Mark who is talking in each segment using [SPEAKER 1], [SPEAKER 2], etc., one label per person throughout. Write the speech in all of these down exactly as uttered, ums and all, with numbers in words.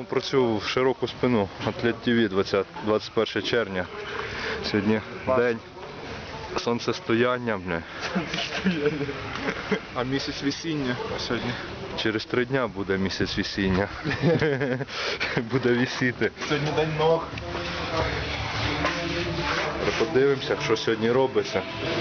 [SPEAKER 1] працюю в широку спину. Атлет ТВ, двадцять перше червня. Сьогодні день сонцестояння. Бля.
[SPEAKER 2] А місяць весіння сьогодні.
[SPEAKER 1] Через три дня буде місяць весіння. Буде висіти.
[SPEAKER 2] Сьогодні день ног.
[SPEAKER 1] Подивимося, що сьогодні робиться.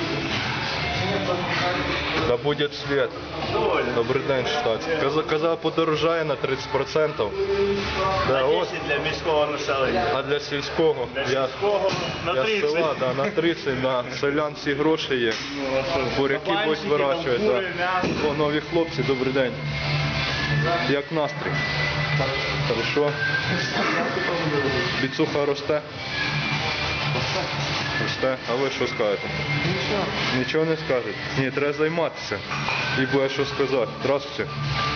[SPEAKER 1] Да буде світ. Добрий день, штат. Каза, каза подорожає на тридцять відсотків. Да, ось.
[SPEAKER 3] для міського населення.
[SPEAKER 1] А для сільського?
[SPEAKER 3] Для
[SPEAKER 1] Я,
[SPEAKER 3] сільського на
[SPEAKER 1] я
[SPEAKER 3] тридцять.
[SPEAKER 1] села, да, на тридцять, на селян всі гроші є. Буряки ось вирощують.
[SPEAKER 3] там,
[SPEAKER 1] Да.
[SPEAKER 3] кури, м'ясо.
[SPEAKER 1] О, нові хлопці, добрий день. Як настрій? Хорошо. Біцуха росте? Росте. А ви що скажете? Нічого. Нічого не скажете? Ні, треба займатися. І буде що сказати. Здравствуйте.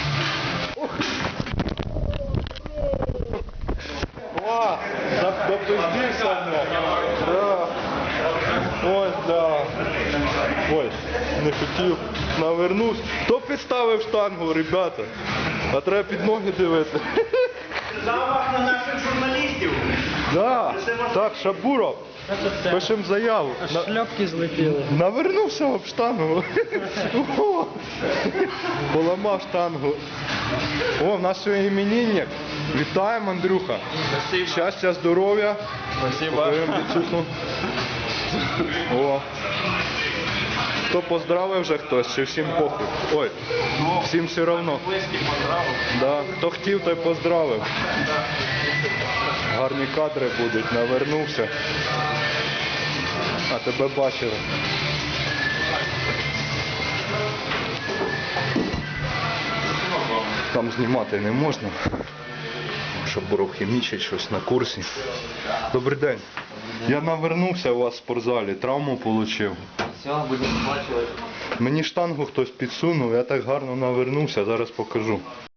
[SPEAKER 1] О, допиздився мене. Да. Ой, да. Ой, не хотів. Навернувся. Хто підставив штангу, ребята? А треба під ноги дивити.
[SPEAKER 3] Замах на наших журналістів.
[SPEAKER 1] Да. Так, Шабуров. Пишемо заяву. На-
[SPEAKER 4] Шляпки злетіли.
[SPEAKER 1] Навернувся об штангу. О, поламав штангу. О, в нас сьогодні іменинник. Вітаємо, Андрюха. Щастя, здоров'я. Покажемо Біцуху. О. Хто поздравив вже хтось, чи всім похуй? Ой, всім все одно. Да. Хто хотів, той поздравив. Гарні кадри будуть, навернувся. А тебе бачили. Там знімати не можна, щоб Буров хімічить щось на курсі. Добрий день. Я навернувся у вас в спортзалі, травму отримав.
[SPEAKER 4] Все, будемо бачити.
[SPEAKER 1] Мені штангу хтось підсунув, я так гарно навернувся, зараз покажу.